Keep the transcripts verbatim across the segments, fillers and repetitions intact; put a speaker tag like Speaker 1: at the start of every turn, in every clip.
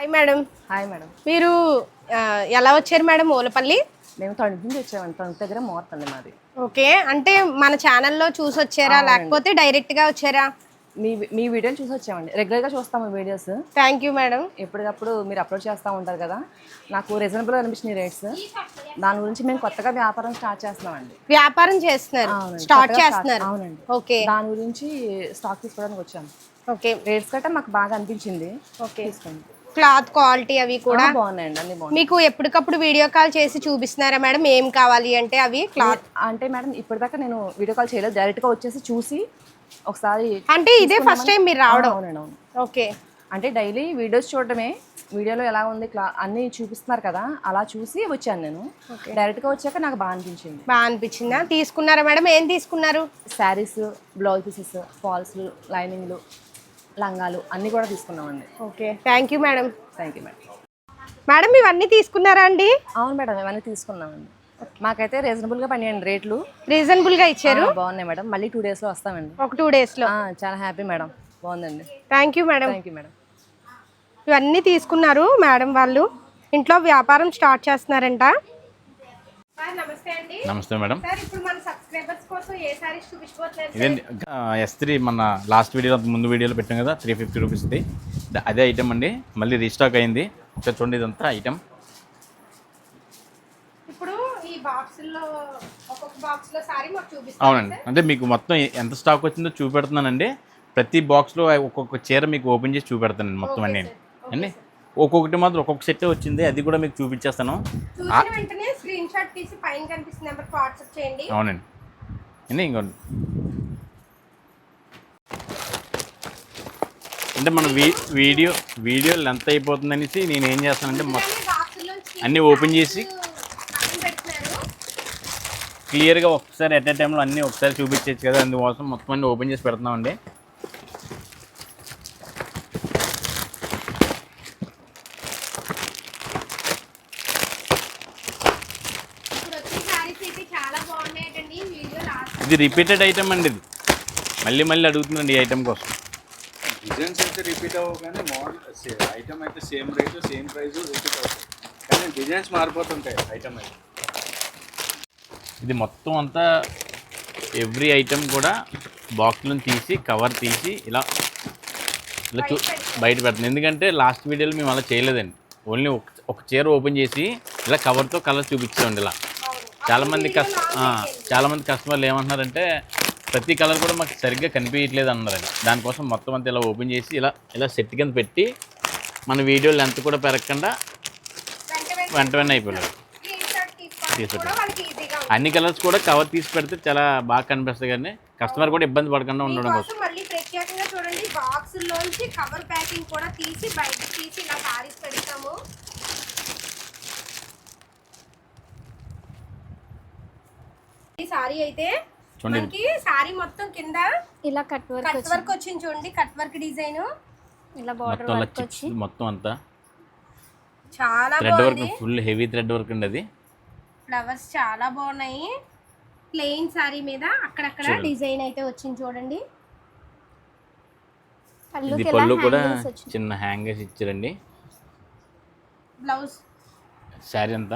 Speaker 1: Hi madam.
Speaker 2: Hi madam.
Speaker 1: మీరు ఎలా వచ్చారు మేడం ఓలపల్లి?
Speaker 2: మేము తణుకు నుంచి వచ్చామండి. తణుకు దగ్గర మోర్తండి మాది.
Speaker 1: ఓకే, అంటే మన ఛానల్లో చూసి వచ్చారా లేకపోతే డైరెక్ట్గా వచ్చారా?
Speaker 2: మీ మీ వీడియోని చూసి వచ్చామండి. రెగ్యులర్గా చూస్తాము వీడియోస్.
Speaker 1: Thank you madam.
Speaker 2: ఎప్పటికప్పుడు మీరు అప్లోడ్ చేస్తూ ఉంటారు కదా, నాకు రీజనబుల్గా అనిపించిన రేట్స్. దాని గురించి మేము కొత్తగా వ్యాపారం స్టార్ట్ చేస్తున్నామండి.
Speaker 1: వ్యాపారం చేస్తున్నారు, స్టార్ట్ చేస్తున్నారు?
Speaker 2: అవునండి.
Speaker 1: ఓకే,
Speaker 2: దాని గురించి స్టాక్ తీసుకోవడానికి వచ్చాము.
Speaker 1: ఓకే,
Speaker 2: రేట్స్ గట్టా మాకు బాగా అనిపించింది.
Speaker 1: ఓకే,
Speaker 2: తీసుకోండి.
Speaker 1: క్లాత్ క్వాలిటీ అవి కూడా
Speaker 2: బాగున్నాయండి, అన్ని బాగున్నాయి.
Speaker 1: మీకు ఎప్పటికప్పుడు వీడియో కాల్ చేసి చూపిస్తున్నారా మేడం ఏం కావాలి అంటే? అవి క్లాత్
Speaker 2: అంటే మేడం ఇప్పటిదాకా నేను వీడియో కాల్ చేయలేదు, డైరెక్ట్గా వచ్చేసి చూసి ఒకసారి.
Speaker 1: అంటే ఇదే ఫస్ట్ టైం మీరు రావడం?
Speaker 2: అవునండి, అవును.
Speaker 1: ఓకే,
Speaker 2: అంటే డైలీ వీడియోస్ చూడటమే, వీడియోలో ఎలా ఉంది క్లా అన్నీ చూపిస్తున్నారు కదా, అలా చూసి వచ్చాను నేను. డైరెక్ట్గా వచ్చాక నాకు బాగా అనిపించింది.
Speaker 1: బాగా అనిపించిందా? తీసుకున్నారా మేడం? ఏం తీసుకున్నారు?
Speaker 2: శారీస్, బ్లౌజ్ పీసెస్, ఫాల్స్లు, లైనింగ్లు, లంగాలు అన్నీ కూడా తీసుకున్నామండి.
Speaker 1: Okay, thank you madam.
Speaker 2: Thank you madam.
Speaker 1: Madam ఇవన్నీ తీసుకున్నారా అండి?
Speaker 2: అవును మేడం, ఇవన్నీ తీసుకున్నామండి. మాకైతే రీజనబుల్గా పనిచేయండి రేట్లు.
Speaker 1: రీజనబుల్గా ఇచ్చారు?
Speaker 2: బాగున్నాయి మేడం. మళ్ళీ టూ డేస్లో వస్తామండి.
Speaker 1: ఒక టూ డేస్లో?
Speaker 2: చాలా హ్యాపీ మేడం, బాగుందండి.
Speaker 1: Thank you madam.
Speaker 2: Thank you madam.
Speaker 1: ఇవన్నీ తీసుకున్నారు మేడం వాళ్ళు, ఇంట్లో వ్యాపారం స్టార్ట్ చేస్తున్నారంట. నమస్తే అండి.
Speaker 3: నమస్తే మేడం.
Speaker 1: సార్ ఇప్పుడు మన సబ్స్క్రైబర్స్ కోసం ఏ సారీస్ చూపించబోతున్నారు?
Speaker 3: ఇదండి ఎస్ త్రీ మన లాస్ట్ వీడియోలో ముందు వీడియోలో పెట్టాం కదా, త్రీ ఫిఫ్టీ రూపీస్ది అదే ఐటమ్ అండి. మళ్ళీ రీస్టాక్ అయింది. ఒకసారి చూడండి, ఇదంతా ఐటమ్.
Speaker 1: ఇప్పుడు ఈ బాక్సుల్లో ఒక్కొక్క బాక్స్లో సారీ మాకు చూపిస్తారు.
Speaker 3: అవునండి, అంటే మీకు మొత్తం ఎంత స్టాక్ వచ్చిందో చూపెడుతున్నానండి. ప్రతి బాక్స్లో ఒక్కొక్క చీర మీకు ఓపెన్ చేసి చూపెడతానండి మొత్తం అన్నీ అండి. ఒక్కొక్కటి మాత్రం ఒక్కొక్క సెట్ వచ్చింది, అది కూడా మీకు చూపించేస్తాను.
Speaker 1: వెంటనే స్క్రీన్ షాట్ తీసి పైన కనిపిస్తున్న నెంబర్కి వాట్సాప్ చేయండి.
Speaker 3: అవునండి అండి. ఇంకోండి అంటే మన వీ వీడియో వీడియో లెంత్ అయిపోతుంది అనేసి నేను ఏం చేస్తానంటే మొత్తం అన్నీ ఓపెన్ చేసి క్లియర్గా ఒకసారి ఎట్ ఏ టైంలో అన్నీ ఒకసారి చూపించవచ్చు కదా, అందుకోసం మొత్తం అన్నీ ఓపెన్ చేసి పెడుతున్నామండి. ఇది రిపీటెడ్ ఐటమ్ అండి, ఇది మళ్ళీ మళ్ళీ అడుగుతుందండి ఈ ఐటమ్ కోసం.
Speaker 4: డిజైన్స్ అయితే రిపీట్ అవ్వవు కానీ మోడల్ ఐటమ్ అయితే same rate same price repeat అవుతాయి, కానీ డిజైన్స్ మారిపోతుంటాయి ఐటమ్ అయితే.
Speaker 3: ఇది మొత్తం అంతా ఎవ్రీ ఐటమ్ కూడా బాక్స్లో తీసి కవర్ తీసి ఇలా ఇలా చూ బయట పెడుతుంది. ఎందుకంటే లాస్ట్ వీడియోలో మేము అలా చేయలేదండి, ఓన్లీ ఒక ఒక చీర ఓపెన్ చేసి ఇలా కవర్తో కలర్ చూపించామండి. ఇలా చాలామంది కస్ట చాలామంది కస్టమర్లు ఏమంటున్నారంటే ప్రతి కలర్ కూడా మాకు సరిగ్గా కనిపించట్లేదు అన్నారండి. దానికోసం మొత్తం అంతా ఇలా ఓపెన్ చేసి ఇలా ఇలా సెట్ కింద పెట్టి మన వీడియో లెంత్ కూడా పెరగకుండా వెంట వెంటనే అయిపోలేదు తీసుకుంటాం. అన్ని కలర్స్ కూడా కవర్ తీసి పెడితే చాలా బాగా కనిపిస్తాయి, కానీ కస్టమర్ కూడా ఇబ్బంది పడకుండా ఉండడం కోసం.
Speaker 1: మళ్ళీ ప్రత్యేకంగా చూడండి, బాక్సుల్లోంచి కవర్ ప్యాకింగ్ కూడా తీసి బయటకు తీసి ఇలా సారీస్ పెడతాము. ఈ సారీ అయితే మనకి సారీ మొత్తం కింద
Speaker 5: ఇలా కట్ వర్క్
Speaker 1: కట్ వర్క్ వచ్చింది చూడండి, కట్ వర్క్ డిజైన్
Speaker 5: ఇలా బార్డర్ వర్క్ వచ్చి
Speaker 3: మొత్తం అంతా
Speaker 1: చాలా
Speaker 3: థ్రెడ్ వర్క్,
Speaker 1: బాగుంది.
Speaker 3: ఫుల్ హెవీ థ్రెడ్ వర్క్ అండి. అది
Speaker 1: ఫ్లవర్స్ చాలా బాగున్నాయి. ప్లెయిన్ సారీ మీద అక్కడక్కడ డిజైన్ అయితే వచ్చింది చూడండి.
Speaker 3: ఇది పళ్ళు కూడా చిన్న హ్యాంగర్స్ ఇచ్చారండి.
Speaker 1: బ్లౌజ్
Speaker 3: శారీ అంతా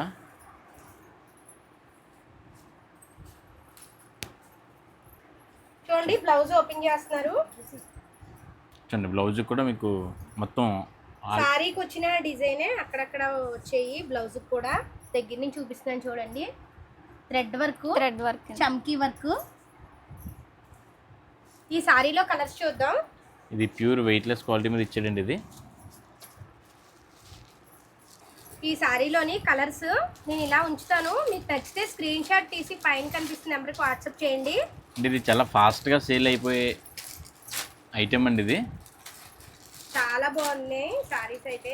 Speaker 1: చూడండి, బ్లౌజ్ ఓపెన్ చేస్తున్నారు.
Speaker 3: చూడండి బ్లౌజ్ కూడా మీకు మొత్తం
Speaker 1: సారీకి వచ్చిన డిజైనే అక్కడక్కడ వచ్చాయి. బ్లౌజ్ కూడా దగ్గర నుంచి చూపిస్తున్నాను చూడండి. థ్రెడ్ వర్క్,
Speaker 5: థ్రెడ్ వర్క్,
Speaker 1: చమ్కీ వర్క్. ఈ సారీలో కలర్స్ చూద్దాం.
Speaker 3: ఇది ప్యూర్ వెయిట్లెస్ క్వాలిటీ మీద ఇచ్చాడండి. ఇది
Speaker 1: ఈ సారీలోని కలర్స్ నేను ఇలా ఉంచుతాను, మీకు నచ్చితే స్క్రీన్ షాట్ తీసి పైన కనిపిస్తున్న నెంబర్కి వాట్సాప్ చేయండి.
Speaker 3: ఇది చాలా ఫాస్ట్గా సేల్ అయిపోయే ఐటమ్ అండి. ఇది
Speaker 1: చాలా బాగున్నాయి సారీస్ అయితే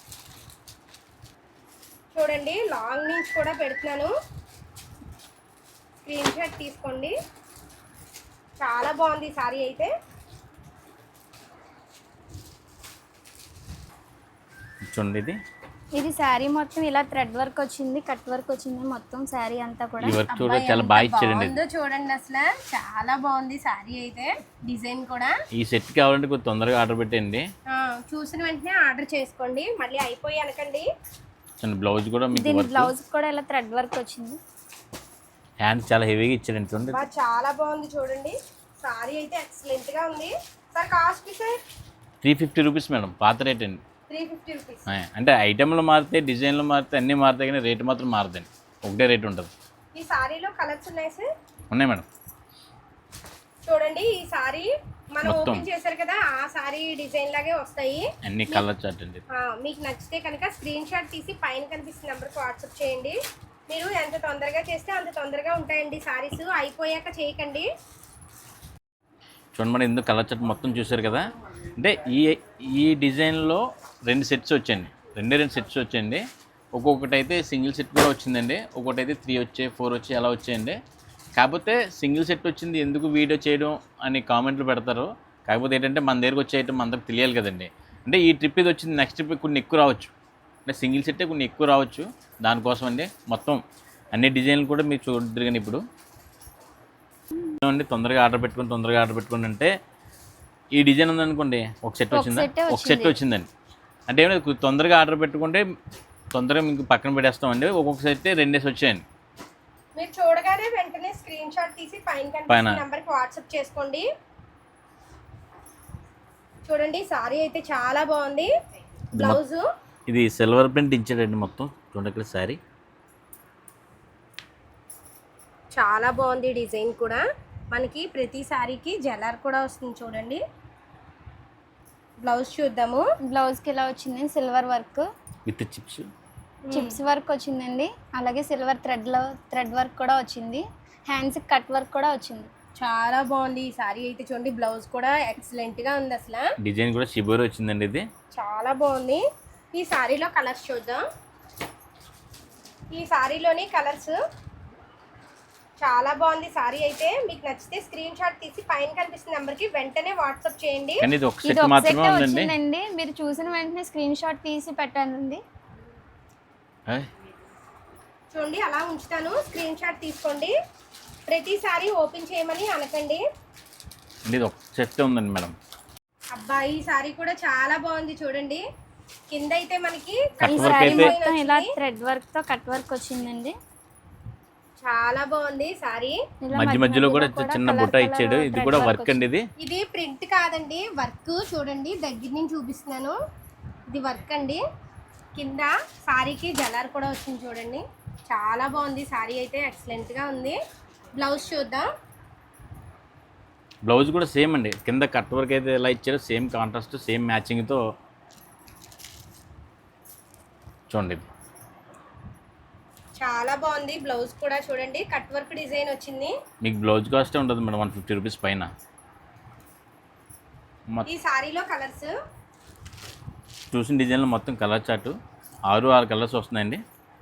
Speaker 1: చూడండి. లాంగ్ నుంచి కూడా పెడుతున్నాను, స్క్రీన్ షాట్ తీసుకోండి. చాలా బాగుంది సారీ అయితే.
Speaker 3: చూడండి ఇది
Speaker 5: ఇది శారీ మొత్తం ఇలా థ్రెడ్ వర్క్ వచ్చింది, కట్ వర్క్ వచ్చింది మొత్తం శారీ అంతా కూడా.
Speaker 3: ఈ వర్క్ చూడ
Speaker 1: అబ్బాయి,
Speaker 3: చాలా
Speaker 1: ఎంత
Speaker 3: బాగా ఇచ్చాడండి.
Speaker 1: బాగుందో చూడండి, అసలు చాలా బాగుంది సారీ అయితే, డిజైన్ కూడా.
Speaker 3: ఈ సెట్ కావాలంటే కొంచెం తొందరగా ఆర్డర్ పెట్టండి.
Speaker 1: ఆ, చూసిన వెంటనే ఆర్డర్ చేసుకోండి, మళ్ళీ అయిపోయి అనకండి.
Speaker 3: చిన్న బ్లౌజ్ కూడా మీకు
Speaker 5: దీని
Speaker 3: వర్క్,
Speaker 5: బ్లౌజ్ కూడా ఇలా థ్రెడ్ వర్క్ వచ్చింది.
Speaker 3: హ్యాండ్స్ చాలా హెవీగా ఇచ్చాడండి చూడండి.
Speaker 1: బా, చాలా బాగుంది చూడండి, సారీ అయితే ఎక్సలెంట్ గా ఉంది. Sir cost sir
Speaker 3: three fifty rupees madam, పాత రేట్ అండి.
Speaker 1: Three fifty rupees.
Speaker 3: ఆ, అంటే ఐటెంలు మారితే, డిజైన్లు మారితే, అన్నీ మారుతాయి కానీ రేటు మాత్రం మారదండి, ఒకటే రేట్ ఉంటుంది.
Speaker 1: ఈ సారీలో కలర్స్ ఉన్నాయి సార్,
Speaker 3: ఉన్నాయి మేడం.
Speaker 1: చూడండి. ఈ సారీ మనం
Speaker 3: మొత్తం.
Speaker 1: ఓపెన్ చేశారు కదా, ఆ సారీ డిజైన్ లాగే వస్తాయి.
Speaker 3: అన్ని కలర్ చార్ట్ అండి.
Speaker 1: ఆ, మీకు నచ్చితే కనుక స్క్రీన్ షాట్ తీసి పైన కనిపిస్తున్న నెంబర్కి వాట్సాప్ చేయండి. మీరు ఎంత తొందరగా చేస్తే అంత తొందరగా ఉంటాయండి సారీస్, అయిపోయాక చేయకండి.
Speaker 3: చూడండి మేడం, ఇందులో కలర్ చార్ట్ మొత్తం చూశారు కదా. అంటే ఈ ఈ డిజైన్లో రెండు సెట్స్ వచ్చాయండి, రెండే రెండు సెట్స్ వచ్చాయండి. ఒక్కొక్కటి అయితే సింగిల్ సెట్ కూడా వచ్చిందండి, ఒక్కొక్కటి అయితే త్రీ వచ్చాయి, ఫోర్ వచ్చాయి, అలా వచ్చాయండి. కాకపోతే సింగిల్ సెట్ వచ్చింది ఎందుకు వీడియో చేయడం అని కామెంట్లు పెడతారు. కాకపోతే ఏంటంటే మన దగ్గరకు వచ్చే ఐటమ్ అందరికి తెలియాలి కదండి. అంటే ఈ ట్రిప్ ఇది వచ్చింది, నెక్స్ట్ ట్రిప్ కొన్ని ఎక్కువ రావచ్చు, అంటే సింగిల్ సెట్టే కొన్ని ఎక్కువ రావచ్చు. దానికోసం అండి మొత్తం అన్ని డిజైన్లు కూడా మీరు చూద్దరు. కానీ ఇప్పుడు అండి తొందరగా ఆర్డర్ పెట్టుకుని తొందరగా ఆర్డర్ పెట్టుకుని అంటే ఈ డిజైన్ ఉందనుకోండి, ఒక సెట్ వచ్చిందా, ఒక సెట్ వచ్చిందండి. అంటే ఏమైనా తొందరగా ఆర్డర్ పెట్టుకుంటే తొందరగా మీకు పక్కన పెట్టేస్తామండి. ఒక్కొక్క సెట్ రెండేసి వచ్చాయండి.
Speaker 1: మీరు చూడగానే వెంటనే స్క్రీన్ షాట్ తీసి పైన కనిపిస్తున్న నెంబర్కి వాట్సాప్ చేసుకోండి. చూడండి, సారీ అయితే చాలా బాగుంది. బ్లౌజ్
Speaker 3: ఇది సిల్వర్ ప్రింట్ ఇచ్చాడండి మొత్తం. చూడండి ఇక్కడ సారీ
Speaker 1: చాలా బాగుంది, డిజైన్ కూడా. మనకి ప్రతి సారీకి జలర్ కూడా వస్తుంది చూడండి. బ్లౌజ్ చూద్దాము.
Speaker 5: బ్లౌజ్కి ఇలా వచ్చింది silver work
Speaker 3: with chips,
Speaker 5: chips work వచ్చిందండి. అలాగే సిల్వర్ థ్రెడ్లో థ్రెడ్ వర్క్ కూడా వచ్చింది. హ్యాండ్స్కి కట్ వర్క్ కూడా వచ్చింది.
Speaker 1: చాలా బాగుంది ఈ సారీ అయితే చూడండి. బ్లౌజ్ కూడా ఎక్సలెంట్ గా ఉంది, అసలు
Speaker 3: డిజైన్ కూడా షిబోరి వచ్చిందండి. ఇది
Speaker 1: చాలా బాగుంది. ఈ సారీలో కలర్స్ చూద్దాం. ఈ సారీలోని కలర్స్ చాలా బాగుంది. సారీ అయితే మీకు నచ్చితే స్క్రీన్ షాట్ తీసి పైన కనిపిస్తున్న నెంబర్కి వెంటనే వాట్సాప్ చేయండి.
Speaker 3: కానీ ఇది ఒక
Speaker 5: ఇది
Speaker 3: సెట్
Speaker 5: ఒక సెట్
Speaker 3: మాత్రమే ఉందండి.
Speaker 5: వచ్చిందండి. మీరు చూసిన వెంటనే స్క్రీన్ షాట్ తీసి పెట్టండి.
Speaker 3: ఆయ్,
Speaker 1: చూడండి, అలా ఉంచుతాను, స్క్రీన్ షాట్ తీసుకోండి. ప్రతిసారి ఓపెన్ చేయమని అనకండి.
Speaker 3: అంటే ఇది ఒక సెట్ ఉందండి మేడం.
Speaker 1: అబ్బాయి ఈ సారీ కూడా చాలా బాగుంది చూడండి. కింద అయితే మనకి
Speaker 3: కట్
Speaker 5: ఈ
Speaker 3: వర్క్
Speaker 5: సారీ
Speaker 3: అయితే
Speaker 5: మొత్తం ఇలా థ్రెడ్ వర్క్ తో కట్ వర్క్ వచ్చిందండి.
Speaker 1: చాలా బాగుంది సారీ.
Speaker 5: ఇలా
Speaker 3: మధ్య మధ్యలో కూడా చిన్న
Speaker 5: కలర్
Speaker 3: బుట్ట
Speaker 5: కలర్
Speaker 3: ఇచ్చాడు. ఇది
Speaker 5: thread
Speaker 3: కూడా
Speaker 5: work
Speaker 3: వర్క్ అండి. ఇది
Speaker 1: ఇది ప్రింట్ కాదండి, వర్క్. చూడండి, దగ్గర నుంచి చూపిస్తున్నాను. ఇది వర్క్ అండి. కింద సారీకి జలార్ కూడా వచ్చింది చూడండి. చాలా బాగుంది సారీ అయితే, ఎక్సలెంట్ గా ఉంది. బ్లౌజ్ చూద్దాం.
Speaker 3: బ్లౌజ్ కూడా సేమ్ అండి. కింద కట్ వర్క్ అయితే ఎలా ఇచ్చారో సేమ్ కాంట్రాస్ట్, సేమ్ మ్యాచింగ్తో చూడండి. ఇది
Speaker 1: చాలా బాగుంది. బ్లౌజ్ కూడా చూడండి, కట్ వర్క్ డిజైన్ వచ్చింది.
Speaker 3: మీకు బ్లౌజ్ కాస్టే ఉంటుంది మేడం, వన్ ఫిఫ్టీ రూపీస్ పైన.
Speaker 1: ఈ సారీలో కలర్స్
Speaker 3: చూసిన డిజైన్లో మొత్తం కలర్ చార్ట్ ఆరు ఆరు కలర్స్ వస్తున్నాయండి.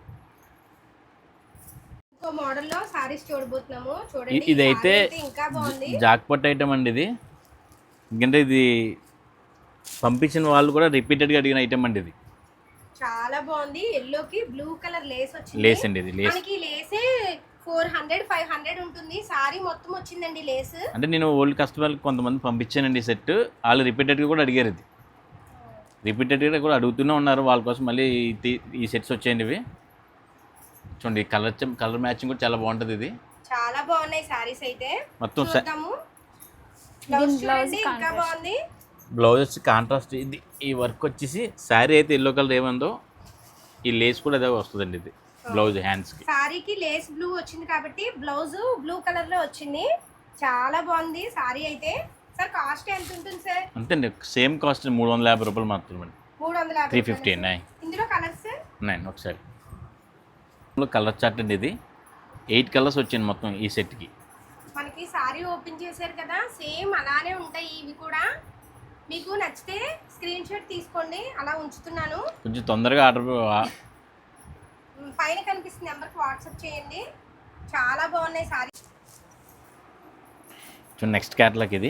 Speaker 1: ఇంకో మోడల్లో సారీస్ చూడబోతున్నాము.
Speaker 3: ఇ-
Speaker 1: చూడండి, ఈ
Speaker 3: ఇదైతే
Speaker 1: సారీ అయితే ఇంకా బాగుంది.
Speaker 3: జాక్పట్ ఐటమ్ అండి. ఇది ఎందుకంటే ఇది పంపించిన వాళ్ళు కూడా రిపీటెడ్గా అడిగిన ఐటమ్ అండి. ఇది
Speaker 1: చాలా బాగుంది. ఎల్లోకి బ్లూ కలర్ లేస్ వచ్చింది.
Speaker 3: లేస్ అండి. ఇది లేస్
Speaker 1: మనకి లేసే ఫోర్ హండ్రెడ్ ఫైవ్ హండ్రెడ్ ఉంటుంది. సారీ మొత్తం వచ్చిందండి లేస్.
Speaker 3: అంటే నేను ఓల్డ్ కస్టమర్కి కొంతమంది పంపించానండి ఈ సెట్. వాళ్ళు రిపీటెడ్గా కూడా అడిగారు. ఇది రిపీటెడ్గా కూడా అడుగుతూనే ఉన్నారు. వాళ్ళ కోసం మళ్ళీ ఈ- ఈ సెట్స్ వచ్చాయండి. ఇవి చూడండి, కలర్ కలర్ మ్యాచింగ్ కూడా చాలా బాగుంటుంది. ఇది
Speaker 1: చాలా బాగున్నాయి సారీస్ అయితే.
Speaker 3: మొత్తం స-
Speaker 1: చూద్దాము. బ్లౌజ్
Speaker 5: దీని బ్లౌజ్
Speaker 1: చూడండి, ఇంకా
Speaker 5: కాంట్రాస్ట్.
Speaker 1: బాగుంది.
Speaker 3: బ్లౌజ్ వచ్చి కాంట్రాస్ట్. ఇది ఈ వర్క్ వచ్చేసి శారీ అయితే ఎల్లో కలర్ ఏముందో ఈ లేస్ కూడా అదే వస్తుందండి. ఇది బ్లౌజ్ హ్యాండ్స్కి.
Speaker 1: సారీకి లేస్ బ్లూ వచ్చింది కాబట్టి బ్లౌజ్ బ్లూ కలర్ లో వచ్చింది. చాలా బాగుంది సారీ అయితే. సార్ కాస్ట్ ఎంత ఉంటుంది సార్?
Speaker 3: అంతే అండి, సేమ్ కాస్ట్ మూడు వందల యాభై రూపాయలు మాత్రమే.
Speaker 1: మూడు వందల యాభై
Speaker 3: త్రీ ఫిఫ్టీ
Speaker 1: రూపాయలు.
Speaker 3: నైన్
Speaker 1: ఇందులో కలర్స్ సార్
Speaker 3: నైన్ ఒకసారి కలర్ చార్ట్ అండి. ఇది ఎయిట్ కలర్స్ వచ్చింది మొత్తం ఈ సెట్కి.
Speaker 1: మనకి సారీ ఓపెన్ చేశారు కదా, సేమ్ అలానే ఉంటాయి ఇవి కూడా. మీకు నచ్చితే స్క్రీన్ షాట్ తీసుకోండి, అలా ఉంచుతున్నాను.
Speaker 3: కొంచెం తొందరగా ఆర్డర్
Speaker 1: పైన కనిపిస్తున్న నెంబర్కి వాట్సాప్ చేయండి. చాలా బాగున్నాయి సారీ.
Speaker 3: నెక్స్ట్ క్యాటలాగ్ ఇది.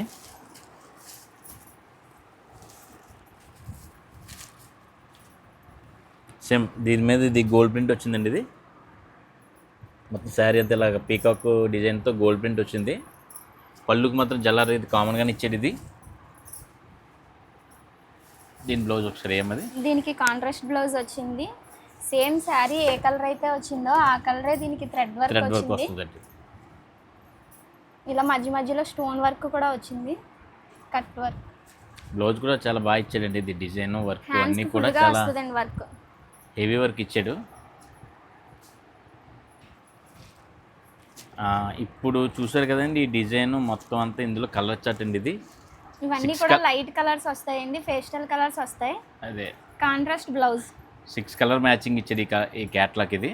Speaker 3: సేమ్ దీని మీద ఇది గోల్డ్ ప్రింట్ వచ్చిందండి. ఇది మొత్తం శారీ అంతా ఇలాగ పీకాక్ డిజైన్తో గోల్డ్ ప్రింట్ వచ్చింది. పళ్ళుకి మాత్రం జల్లార్ ఇది కామన్గానే ఇచ్చేది. ఇది దీని బ్లౌజ్ ఒకసారి ఏమది,
Speaker 5: దీనికి కాంట్రాస్ట్ బ్లౌజ్ వచ్చింది. సేమ్ శారీ ఏ కలర్ అయితే వచ్చిందో ఆ కలరే దీనికి థ్రెడ్ వర్క్
Speaker 3: థ్రెడ్ వర్క్
Speaker 5: వచ్చింది.
Speaker 3: వస్తుందండి.
Speaker 5: ఇలా మధ్య మధ్యలో స్టోన్ వర్క్ కూడా వచ్చింది, కట్ వర్క్.
Speaker 3: బ్లౌజ్ కూడా చాలా బాగా ఇచ్చాడండి. ఇది డిజైన్ వర్క్
Speaker 5: హ్యాండ్స్
Speaker 3: అన్నీ కూడా
Speaker 5: ఫుల్గా
Speaker 3: చాలా
Speaker 5: వస్తుందండి వర్క్.
Speaker 3: హెవీ వర్క్ ఇచ్చాడు. ఆ, ఇప్పుడు చూసారు కదండి ఈ డిజైన్ మొత్తం అంతా ఇందులో కలర్ చార్ట్ అండి. ఇది
Speaker 5: ఇవన్నీ
Speaker 3: Six
Speaker 5: కూడా
Speaker 3: col-
Speaker 5: లైట్ కలర్స్ వస్తాయండి, పేస్టల్ కలర్స్ వస్తాయి.
Speaker 3: అదే
Speaker 5: contrast blouse.
Speaker 3: Six colour matching ఇచ్చేది ఈ క- ఈ క్యాట్లాగ్. ఇది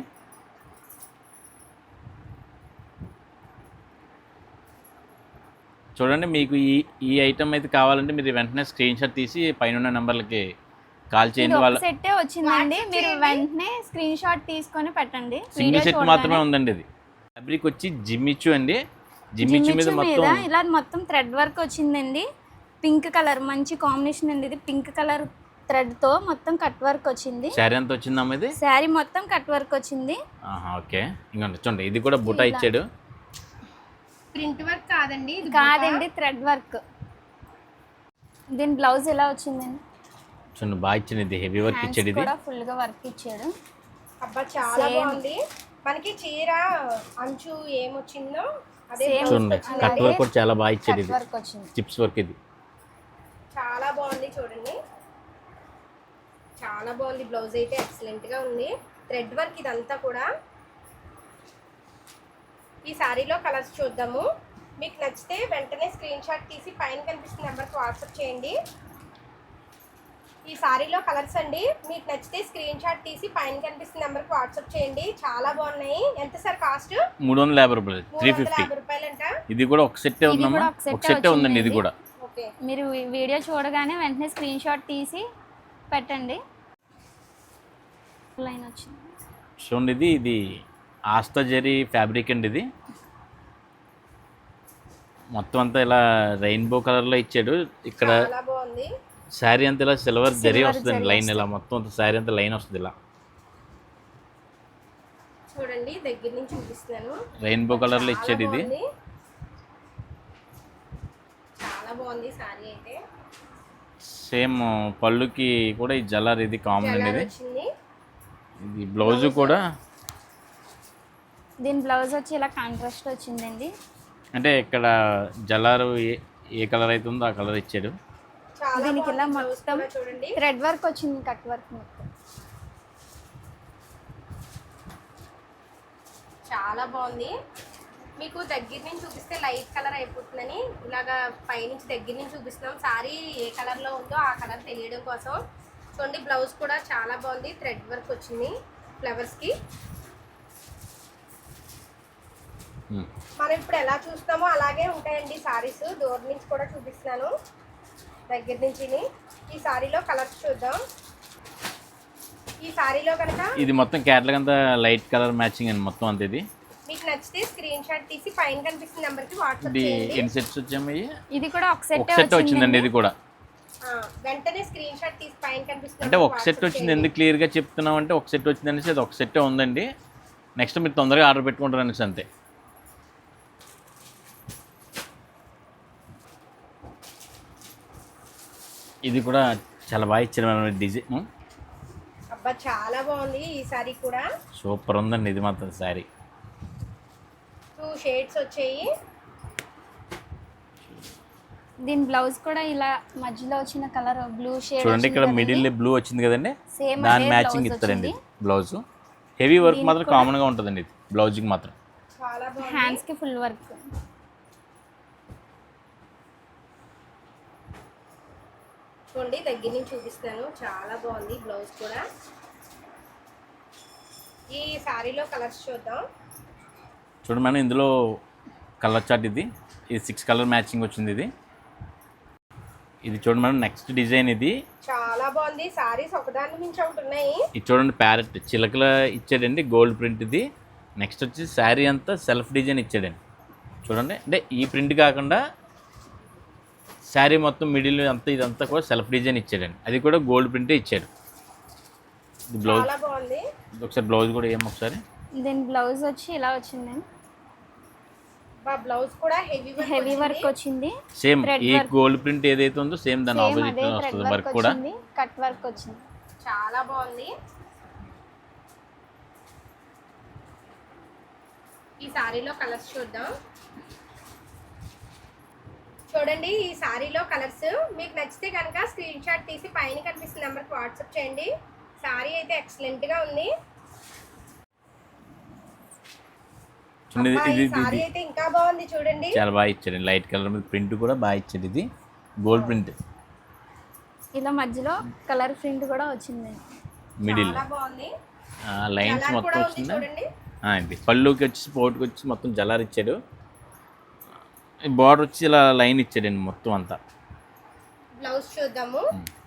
Speaker 3: చూడండి, మీకు ఈ ఈ ఐటమ్ అయితే కావాలంటే మీరు వెంటనే స్క్రీన్ షాట్ తీసి పైన ఉన్న నెంబర్లకి కాల్
Speaker 5: ఇది
Speaker 3: చేయండి.
Speaker 5: ఒక
Speaker 3: వాళ్ళ
Speaker 5: సెట్టే వచ్చిందండి, మీరు వెంటనే స్క్రీన్ షాట్ తీసుకొని పెట్టండి.
Speaker 3: సింగిల్
Speaker 5: వీడియో
Speaker 3: సెట్ మాత్రమే ఉందండి. ఇది ఫ్యాబ్రిక్ వచ్చి జిమ్మిచ్చు అండి. జిమ్మిచ్చు మీద
Speaker 5: జిమ్మిచ్చు మీద
Speaker 3: మొత్తం
Speaker 5: ఇలా మొత్తం థ్రెడ్ వర్క్ వచ్చిందండి. పింక్ కలర్ మంచి కాంబినేషన్ అండి. ఇది పింక్ కలర్ థ్రెడ్ తో మొత్తం కట్ వర్క్ వచ్చింది.
Speaker 3: శారీ ఎంత వచ్చిందమ్మా ఇది?
Speaker 5: శారీ మొత్తం కట్ వర్క్ వచ్చింది.
Speaker 3: ఆహా, ఓకే. ఇంకోండి చూడండి, ఇది కూడా బుటా ఇచ్చాడు.
Speaker 1: ప్రింట్ వర్క్ కాదండి ఇది,
Speaker 5: కాదండి థ్రెడ్ వర్క్. దీని బ్లౌజ్ ఎలా వచ్చిందండి?
Speaker 3: చూడండి బాగా ఇచ్చింది. ఇది హెవీ వర్క్
Speaker 5: హ్యాండ్స్
Speaker 3: ఇచ్చాడు. ఇది
Speaker 5: కూడా ఫుల్ గా వర్క్ ఇచ్చాడు.
Speaker 1: అబ్బా చాలా
Speaker 5: Same.
Speaker 1: బాగుంది. మనకి చీర అంచు ఏమొచ్చిందో అదే
Speaker 5: Same.
Speaker 1: blouse
Speaker 3: చూడండి
Speaker 1: వచ్చింది.
Speaker 3: కట్ వర్క్ కూడా చాలా బాగా ఇచ్చాడు.
Speaker 5: కట్
Speaker 3: ఇది
Speaker 5: వర్క్ వచ్చింది.
Speaker 3: Chips work. ఇది
Speaker 1: చాలా బాగుంది చూడండి, చాలా బాగుంది. బ్లౌజ్ అయితే ఎక్సలెంట్ గా ఉంది. థ్రెడ్ వర్క్ ఇదంతా కూడా. ఈ సారీలో కలర్స్ చూద్దాము. మీకు నచ్చితే వెంటనే స్క్రీన్ షాట్ తీసి పైన కనిపిస్తున్న నెంబర్కి వాట్సాప్ చేయండి. ఈ సారీలో కలర్స్ అండి, మీకు నచ్చితే స్క్రీన్ షాట్ తీసి పైన కనిపిస్తున్న నెంబర్కి వాట్సాప్ చేయండి. చాలా బాగున్నాయి. ఎంత సార్ కాస్ట్?
Speaker 3: మూడు వందల యాభై రూపాయలు, త్రీ
Speaker 1: మూడు వందల
Speaker 3: ఫిఫ్టీ.
Speaker 1: యాభై రూపాయలంట.
Speaker 3: ఇది కూడా ఒక సెట్టే
Speaker 5: ఇది
Speaker 3: ఉందమ్మా,
Speaker 5: కూడా ఒక సెట్టే
Speaker 3: ఒక సెట్టే ఉందండి. ఇది
Speaker 5: వచ్చిందండి.
Speaker 3: కూడా
Speaker 1: ఓకే,
Speaker 5: మీరు ఈ వీడియో చూడగానే వెంటనే స్క్రీన్ షాట్ తీసి పెట్టండి. లైన్ వచ్చింది.
Speaker 3: చూడండి, ఇది ఇది ఆస్తా జరీ ఫ్యాబ్రిక్ అండి. ఇది మొత్తం అంతా ఇలా రెయిన్బో కలర్లో ఇచ్చాడు. ఇక్కడ
Speaker 1: చాలా బాగుంది.
Speaker 3: శారీ అంతా ఇలా సిల్వర్ జరీ
Speaker 5: Silver
Speaker 3: వస్తుందండి.
Speaker 5: జరీ
Speaker 3: లైన్ ఇలా మొత్తం అంతా శారీ అంతా లైన్ వస్తుంది. ఇలా
Speaker 1: చూడండి దగ్గర నుంచి చూపిస్తున్నాను.
Speaker 3: రెయిన్బో కలర్లో ఇచ్చాడు. ఇది
Speaker 1: బాగుంది. చాలా బాగుంది సారీ అయితే.
Speaker 3: సేమ్ పళ్ళుకి కూడా ఈ జలర్ ఇది కామన్ అండి.
Speaker 1: జలాల్
Speaker 3: ఇది
Speaker 1: వచ్చింది.
Speaker 3: ఇది బ్లౌజ్ కూడా
Speaker 5: దీని బ్లౌజ్ వచ్చి ఇలా కాంట్రాస్ట్ వచ్చిందండి.
Speaker 3: అంటే ఇక్కడ జలారు ఏ ఏ కలర్ అయితే ఉందో ఆ కలర్ ఇచ్చాడు.
Speaker 1: చాలా
Speaker 5: దీనికి ఇలా
Speaker 1: బాగుంది. బ్లౌజ్
Speaker 5: మొత్తం
Speaker 1: కూడా చూడండి
Speaker 5: థ్రెడ్ వర్క్ వచ్చింది, కట్ వర్క్ మొత్తం.
Speaker 1: చాలా బాగుంది. మీకు దగ్గర నుంచి చూపిస్తే లైట్ కలర్ అయిపోతుందని ఇలాగా పైనుంచి దగ్గర నుంచి చూపిస్తున్నాం. సారీ ఏ కలర్లో ఉందో ఆ కలర్ తెలియడం కోసం. చూడండి బ్లౌజ్ కూడా చాలా బాగుంది. థ్రెడ్ వర్క్ వచ్చింది ఫ్లవర్స్కి.
Speaker 3: ఉమ్.
Speaker 1: మనం ఇప్పుడు ఎలా చూస్తామో అలాగే ఉంటాయండి సారీస్. దూరం నుంచి కూడా చూపిస్తున్నాను, దగ్గర నుంచి. ఈ సారీలో కలర్స్ చూద్దాం. ఈ సారీలో కనుక
Speaker 3: ఇది మొత్తం క్యాట్లాగ్ అంతా లైట్ కలర్ మ్యాచింగ్ అండి. మొత్తం అంతా ఇది
Speaker 1: మీకు నచ్చితే స్క్రీన్ షాట్ తీసి పైన కనిపిస్తున్న నెంబర్కి వాట్సాప్
Speaker 3: ఇది
Speaker 1: చేయండి.
Speaker 3: ఎన్ని సెట్స్ వచ్చామయ్యి?
Speaker 5: ఇది కూడా ఒక
Speaker 3: ఒక
Speaker 5: సెట్
Speaker 3: సెట్ వచ్చిందండి. ఇది కూడా
Speaker 1: ఆ, వెంటనే స్క్రీన్ షాట్ తీసి పైన కనిపిస్తున్న
Speaker 3: అంటే
Speaker 1: నెంబర్కి
Speaker 3: ఒక సెట్
Speaker 1: వాట్సాప్
Speaker 3: వచ్చింది.
Speaker 1: చేయండి.
Speaker 3: ఎందుకు క్లియర్గా చెప్తున్నాం అంటే ఒక సెట్ వచ్చింది అనేసి అది ఒక సెట్టే ఉందండి. నెక్స్ట్ మీరు తొందరగా ఆర్డర్ పెట్టుకుంటారు అనేసి అంతే. ఇది కూడా చాలా బాగా ఇచ్చారు మేడం. డిజైన్
Speaker 1: అబ్బా చాలా బాగుంది. ఈ సారీ కూడా
Speaker 3: సూపర్ ఉందండి. ఇది మాత్రం శారీ
Speaker 1: టూ షేడ్స్ వచ్చాయి.
Speaker 5: దీని బ్లౌజ్ కూడా ఇలా మధ్యలో వచ్చిన కలర్ బ్లూ షేడ్.
Speaker 3: చూడండి, ఇక్కడ మిడిల్ బ్లూ వచ్చింది కదండి,
Speaker 5: సేమ్
Speaker 3: దాని మ్యాచింగ్ ఇస్తారండి బ్లౌజ్. హెవీ వర్క్ మాత్రం కామన్గా ఉంటుందండి. ఇది బ్లౌజ్కి మాత్రం
Speaker 1: చాలా బాగుంది.
Speaker 5: హ్యాండ్స్ కి ఫుల్ వర్క్.
Speaker 1: చూడండి దగ్గర నుంచి చూపిస్తాను. చాలా బాగుంది బ్లౌజ్ కూడా. ఈ సారీలో కలర్స్ చూద్దాం.
Speaker 3: చూడండి మేడం, ఇందులో కలర్ చార్ట్. ఇది ఇది సిక్స్ కలర్ మ్యాచింగ్ వచ్చింది. ఇది ఇది చూడండి మేడం, నెక్స్ట్ డిజైన్. ఇది
Speaker 1: చాలా బాగుంది. సారీస్ ఒకదాని మించి ఒకటి ఉన్నాయి.
Speaker 3: ఇది చూడండి, ప్యారెట్ చిలకల ఇచ్చాడండి, గోల్డ్ ప్రింట్. ఇది నెక్స్ట్ వచ్చి శారీ అంతా సెల్ఫ్ డిజైన్ ఇచ్చాడండి. చూడండి, అంటే ఈ ప్రింట్ కాకుండా శారీ మొత్తం మిడిల్ అంతా ఇదంతా కూడా సెల్ఫ్ డిజైన్ ఇచ్చాడండి. అది కూడా గోల్డ్ ప్రింటే ఇచ్చాడు. ఇది బ్లౌజ్
Speaker 1: చాలా బాగుంది.
Speaker 3: ఒకసారి బ్లౌజ్ కూడా ఏం ఒకసారి
Speaker 5: దీని బ్లౌజ్ వచ్చి ఇలా వచ్చిందండి.
Speaker 1: బా బ్లౌజ్ కూడా హెవీ
Speaker 5: హెవీ వర్క్ వచ్చింది.
Speaker 3: సేమ్
Speaker 5: Thread
Speaker 3: ఈ
Speaker 5: work.
Speaker 3: గోల్డ్ ప్రింట్ ఏదైతే ఉందో సేమ్ దాని
Speaker 5: సేమ్
Speaker 3: ఆపోజిట్
Speaker 5: అదే థ్రెడ్
Speaker 3: వస్తుంది
Speaker 5: వర్క్
Speaker 3: వర్క్ కూడా.
Speaker 5: వచ్చింది, కట్ వర్క్ వచ్చింది.
Speaker 1: చాలా బాగుంది. ఈ సారీలో కలర్స్ చూద్దాం. చూడండి ఈ సారీలో కలర్స్ మీకు నచ్చితే కనుక స్క్రీన్ షాట్ తీసి పైన కనిపిస్తున్న నెంబర్కి వాట్సాప్ చేయండి. సారీ అయితే ఎక్సలెంట్గా ఉంది.
Speaker 3: చిన్నది
Speaker 1: అబ్బా,
Speaker 3: ఇది
Speaker 1: ఈ సారీ అయితే ఇంకా బాగుంది చూడండి.
Speaker 3: చాలా బాగా ఇచ్చాడు. లైట్ కలర్ మీద ప్రింట్ కూడా బాగా ఇచ్చాడు. ఇది గోల్డ్ ప్రింట్
Speaker 5: ఇలా మధ్యలో కలర్ ప్రింట్ కూడా వచ్చింది.
Speaker 3: మిడిల్
Speaker 1: చాలా బాగుంది.
Speaker 3: లైన్స్
Speaker 1: కలర్
Speaker 3: మొత్తం
Speaker 1: కూడా ఉంది
Speaker 3: వచ్చిందా.
Speaker 1: చూడండి.
Speaker 3: ఆ, ఇది పళ్ళుకి వచ్చి పోటుకి వచ్చి మొత్తం జలార్ ఇచ్చాడు. బార్డర్ వచ్చి ఇలా లైన్ ఇచ్చాడండి మొత్తం అంతా.
Speaker 1: బ్లౌజ్ చూద్దాము.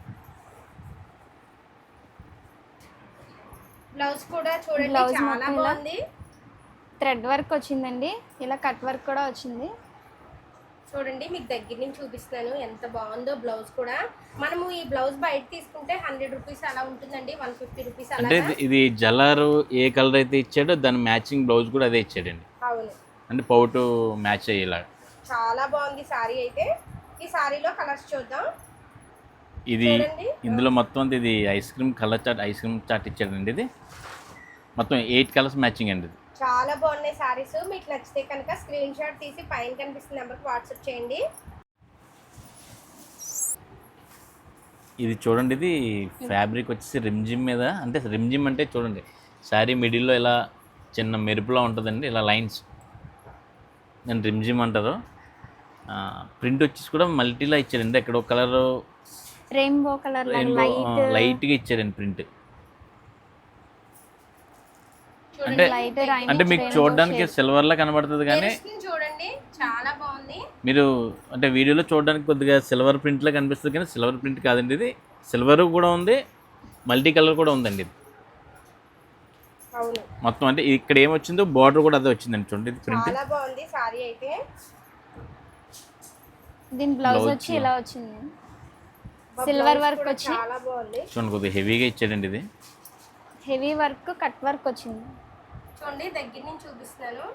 Speaker 1: బ్లౌజ్ కూడా చూడండి
Speaker 5: బ్లౌజ్
Speaker 1: చాలా
Speaker 5: మొత్తం ఇలా
Speaker 1: బాగుంది.
Speaker 5: థ్రెడ్ వర్క్ వచ్చిందండి, ఇలా కట్ వర్క్ కూడా వచ్చింది.
Speaker 1: చూడండి మీకు దగ్గర నుంచి చూపిస్తున్నాను ఎంత బాగుందో బ్లౌజ్ కూడా. మనము ఈ బ్లౌజ్ బయట తీసుకుంటే హండ్రెడ్ రూపీస్ అలా ఉంటుందండి, వన్ ఫిఫ్టీ రూపీస్ అలా.
Speaker 3: అంటే ఇది- ఇది జలారు ఏ కలర్ అయితే ఇచ్చాడో దాని మ్యాచింగ్ బ్లౌజ్ కూడా అదే ఇచ్చాడండి.
Speaker 1: అవును,
Speaker 3: అంటే పౌటు మ్యాచ్ అయ్యేలాగా.
Speaker 1: చాలా బాగుంది సారీ అయితే. ఈ సారీలో కలర్స్ చూద్దాం.
Speaker 3: ఇది
Speaker 1: చూడండి.
Speaker 3: ఇందులో మొత్తం అంతా ఇది ice cream colour chart ice cream chart ఇచ్చాడండి. ఇది మొత్తం ఎయిట్ కలర్స్ మ్యాచింగ్ అండి. ఇది
Speaker 1: చాలా బాగున్నాయి సారీస్. మీకు నచ్చితే కనుక స్క్రీన్ షాట్ తీసి పైన కనిపిస్తున్న నెంబర్కి వాట్సాప్ చేయండి.
Speaker 3: ఇది చూడండి, ఇది ఫ్యాబ్రిక్ వచ్చేసి రిమ్జిమ్ మీద, అంటే రిమ్జిమ్ అంటే చూడండి శారీ మిడిల్లో ఇలా చిన్న మెరుపులా ఉంటుందండి, ఇలా లైన్స్, నేను రిమ్జిమ్ అంటారు. ప్రింట్ వచ్చేసి కూడా మల్టీలా ఇచ్చారండి. ఇక్కడ ఒక కలర్
Speaker 5: రెయిన్బో కలర్ లైట్
Speaker 3: లైట్గా ఇచ్చారండి ప్రింట్.
Speaker 1: చూడండి
Speaker 3: అంటే
Speaker 5: లైట్
Speaker 3: అంటే మీకు చూడడానికి సిల్వర్లా కనబడుతుంది కానీ
Speaker 1: మెరుస్తుంది చూడండి, చాలా బాగుంది.
Speaker 3: మీరు అంటే వీడియోలో చూడడానికి కొద్దిగా సిల్వర్ ప్రింట్లా కనిపిస్తుంది కానీ సిల్వర్ ప్రింట్ కాదండి. ఇది సిల్వర్ కూడా ఉంది, మల్టీ కలర్ కూడా ఉందండి. ఇది
Speaker 1: అవును,
Speaker 3: మొత్తం అంటే ఇక్కడ ఏమొచ్చిందో బార్డర్ కూడా అదే వచ్చిందండి. చూడండి ఇది ప్రింట్.
Speaker 1: చాలా బాగుంది సారీ అయితే.
Speaker 5: దీని బ్లౌజ్
Speaker 3: Blouse
Speaker 5: వచ్చి ఇలా వచ్చింది,
Speaker 1: బా
Speaker 5: సిల్వర్
Speaker 1: బ్లౌజ్
Speaker 5: వర్క్
Speaker 1: కూడా
Speaker 5: వచ్చి
Speaker 1: చాలా బాగుంది.
Speaker 3: చూడండి కొద్దిగా హెవీగా ఇచ్చాడండి. ఇది
Speaker 5: హెవీ వర్క్ కట్ వర్క్ వచ్చింది.
Speaker 1: చూడండి దగ్గర నుంచి చూపిస్తున్నాను.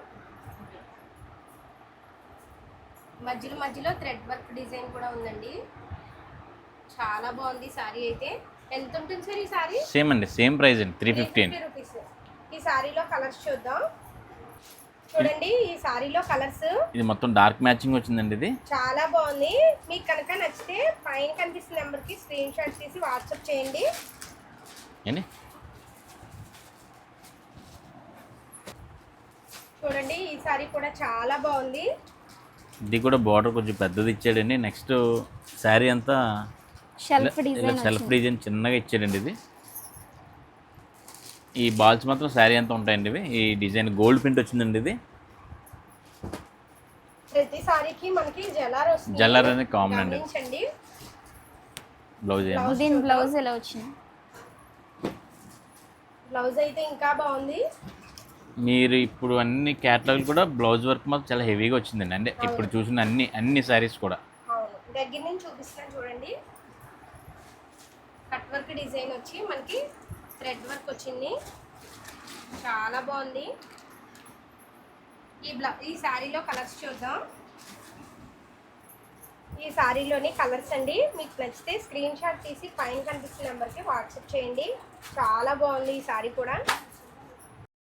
Speaker 1: మధ్యలో మధ్యలో థ్రెడ్ వర్క్ డిజైన్ కూడా ఉందండి. చాలా బాగుంది సారీ అయితే. ఎంత ఉంటుంది సార్ ఈ సారీ?
Speaker 3: సేమ్ అండి, సేమ్ ప్రైస్ అండి, త్రీ ఫిఫ్టీ అండి.
Speaker 1: రూపీస్. ఈ సారీలో కలర్స్ చూద్దాం. చూడండి ఈ సారీలో కలర్స్
Speaker 3: ఇది మొత్తం డార్క్ మ్యాచింగ్ వచ్చిందండి. ఇది
Speaker 1: చాలా బాగుంది. మీకు కనుక నచ్చితే పైన కనిపిస్తున్న నెంబర్కి స్క్రీన్ షాట్ తీసి వాట్సాప్ చేయండి.
Speaker 3: ఏంటి
Speaker 1: చూడండి ఈ సారీ కూడా చాలా బాగుంది.
Speaker 3: ఇది కూడా బార్డర్ కొంచెం పెద్దది ఇచ్చాడండి. నెక్స్ట్ శారీ అంతా
Speaker 5: షెల్ఫ్
Speaker 3: ఇలా
Speaker 5: డిజైన్
Speaker 3: సెల్ఫ్ డిజైన్ చిన్నగా ఇచ్చాడండి. ఇది ఈ బాల్స్ మాత్రం శారీ అంతా ఉంటాయండి. ఇవి ఈ డిజైన్ గోల్డ్ ప్రింట్ వచ్చిందండి. ఇది
Speaker 1: ప్రతి సారీకి మనకి జలార్ వస్తుంది.
Speaker 3: జల్లర్ అనేది కామన్ అండి.
Speaker 1: గమనించండి.
Speaker 3: బ్లౌజ్ ఏమో
Speaker 5: దీని బ్లౌజ్ ఎలా వచ్చింది.
Speaker 1: బ్లౌజ్ అయితే ఇంకా బాగుంది.
Speaker 3: మీరు ఇప్పుడు అన్ని క్యాటలాగ్ కూడా బ్లౌజ్ వర్క్ మాత్రం చాలా హెవీగా వచ్చిందండి. అంటే ఇప్పుడు చూసిన అన్ని అన్ని శారీస్ కూడా.
Speaker 1: అవును, దగ్గర నుంచి చూపిస్తాను చూడండి. కట్ వర్క్ డిజైన్ వచ్చి మనకి థ్రెడ్ వర్క్ వచ్చింది. చాలా బాగుంది. ఈ బ్లౌ ఈ శారీలో కలర్స్ చూద్దాం. ఈ శారీలోని కలర్స్ అండి. మీకు నచ్చితే స్క్రీన్ షాట్ తీసి పైన కనిపిస్తున్న నెంబర్కి వాట్సాప్ చేయండి. చాలా బాగుంది ఈ శారీ కూడా.